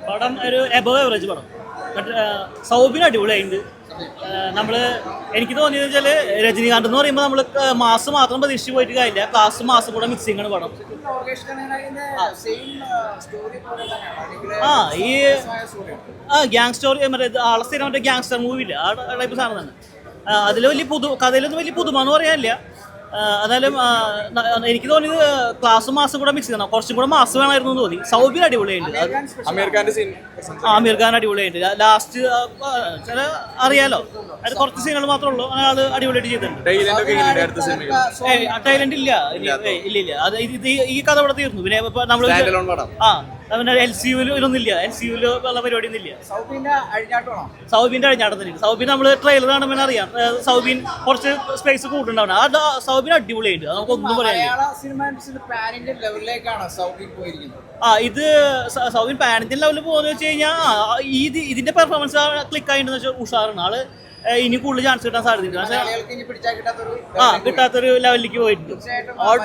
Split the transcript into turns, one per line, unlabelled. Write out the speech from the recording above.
പടം ഒരു above average പടം. സൗബിന് അടിപൊളിയായിട്ടുണ്ട്. എനിക്ക് തോന്നിയത് വെച്ചാൽ രജനീകാന്ത് എന്ന് പറയുമ്പോൾ നമ്മൾ മാസ് മാത്രം പ്രതീക്ഷിച്ച് പോയിട്ട് കാര്യമില്ല, ക്ലാസ് മാസം കൂടെ മിക്സിംഗ് ആണ് പടം. ഗ്യാങ് സ്റ്റോറി മറ്റേ ആളെ സ്ഥിരം മറ്റേ ഗ്യാങ്സ്റ്റർ മൂവി ഇല്ല, ആ ടൈപ്പ് സാധനം തന്നെ. അതിൽ വലിയ കഥയിലൊന്നും വലിയ പുതുമ എന്ന് പറയാനില്ല. എന്നാലും എനിക്ക് തോന്നിയത് ക്ലാസ് മാസം കൂടെ മിക്സ് ചെയ്യണം, കുറച്ചും കൂടെ മാസം വേണമായിരുന്നു തോന്നി. സൗബിൻ അടിപൊളിയായിട്ട്, ആമീർ ഖാൻ അടിപൊളിയായിട്ട്. ലാസ്റ്റ് ചില അറിയാലോ, അത് കുറച്ച് സീനുകൾ മാത്രമേ ഉള്ളൂ, ആള് അടിപൊളിയായിട്ട് ചെയ്തിട്ടുണ്ട്. ടൈലന്റ് ഇല്ല അത് ഈ കഥ ഇവിടെ തീർന്നു. പിന്നെ നമ്മള് LCU-ലൊന്നുമില്ല, LCU-ല് ഉള്ള പരിപാടി ഒന്നും ഇല്ല. സൗബിന്റെ അഴിഞ്ഞാട്ടത്തിന് സൗബിൻ നമ്മള് ട്രെയിലർ കാണുമ്പോൾ അറിയാം, സൗബിൻ കുറച്ച് സ്പേസ് കൂടുതലുണ്ടാവണം. സൗബിൻ അടിപൊളിയായിട്ട്, അത് നമുക്കൊന്നും പറയാനില്ല. ഇത് സൗബിൻ പാൻ ഇന്ത്യൻ ലെവലിൽ പോകുന്ന വെച്ച് കഴിഞ്ഞാൽ ഇതിന്റെ പെർഫോമൻസ് ക്ലിക്ക് ആയിട്ടുണ്ടെന്ന് വെച്ചാൽ ഉഷാറാണ്. ആള് ഇനി കൂടുതൽ ചാൻസ് കിട്ടാൻ സാധ്യതയുണ്ട്. പക്ഷേ കിട്ടാത്തൊരു ലെവലിലേക്ക് പോയിട്ടുണ്ട്.